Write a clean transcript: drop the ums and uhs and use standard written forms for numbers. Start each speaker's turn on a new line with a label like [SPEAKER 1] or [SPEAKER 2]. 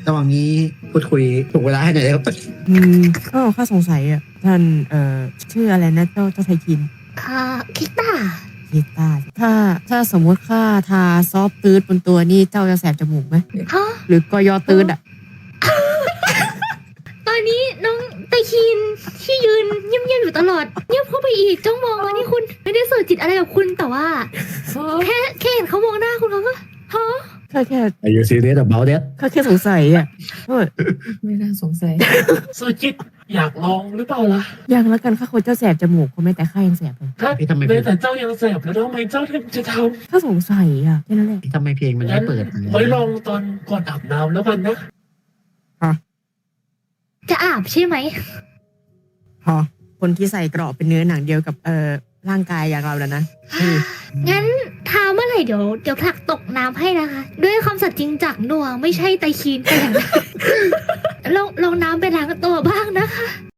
[SPEAKER 1] ระหว่างนี้พูดคุยถูกเวลาให้หน่อยได้ครับ
[SPEAKER 2] ก็ข้าสงสัยอ่ะท่านชื่ออะไรนะเจ้าไทคิน
[SPEAKER 3] คิต้า
[SPEAKER 2] กีตาร์ถ้าสมมุติข้าทาซอฟต์ตืดบนตัวนี่เจ้าจะแสบจมูกไหม
[SPEAKER 3] ฮะ
[SPEAKER 2] หรือกยอตืดอ่ะ
[SPEAKER 3] ตอนนี้น้องไตคินที่ยืนเงียบๆอยู่ตลอดเงียบเข้าไปอีกจ้องมองมาที่คุณไม่ได้สื่อจิตอะไรกับคุณแต่ว่าแค่เห็นเขามองหน้าคุณเขาก็ฮะ
[SPEAKER 2] ข้าแค่
[SPEAKER 1] Are you serious about that
[SPEAKER 2] ข้าแค่สงสัยอ่ะโทษ
[SPEAKER 4] ไม่น่าสงสัย
[SPEAKER 5] สุจิตอยากลองหรือเปล่าล่ะ
[SPEAKER 2] ยังแล้วกันข้าคนเจ้าแสบจมูกคนไม่แต่ข้ายังแสบเลย
[SPEAKER 5] ถ้า
[SPEAKER 1] พี่ทำไม
[SPEAKER 5] แต่เจ้ายังแสบแล้วทำไมเจ้าถึงจะท
[SPEAKER 2] ข้าสงสัยอ่ะแค่นั้นแหละ
[SPEAKER 1] ทำไมเพลงมัน
[SPEAKER 5] ำ
[SPEAKER 1] ไม่เปิด
[SPEAKER 5] ไว้ลองตอนก่อนอาบน้ำแล้วกันนะ
[SPEAKER 3] จะอาบใช่ไหม
[SPEAKER 2] พอคนที่ใส่เกราะเป็นเนื้อหนังเดียวกับร่างกายอย่างเราแล้วนะ
[SPEAKER 3] งั้นทาเมื่อไหร่เดี๋ยวผลักตกน้ำให้นะคะ ด้วยคำสัตย์จริงจากหน่วงไม่ใช่ไตคินแต่อย่างใดลองน้ำไปล้างตัวบ้างนะคะ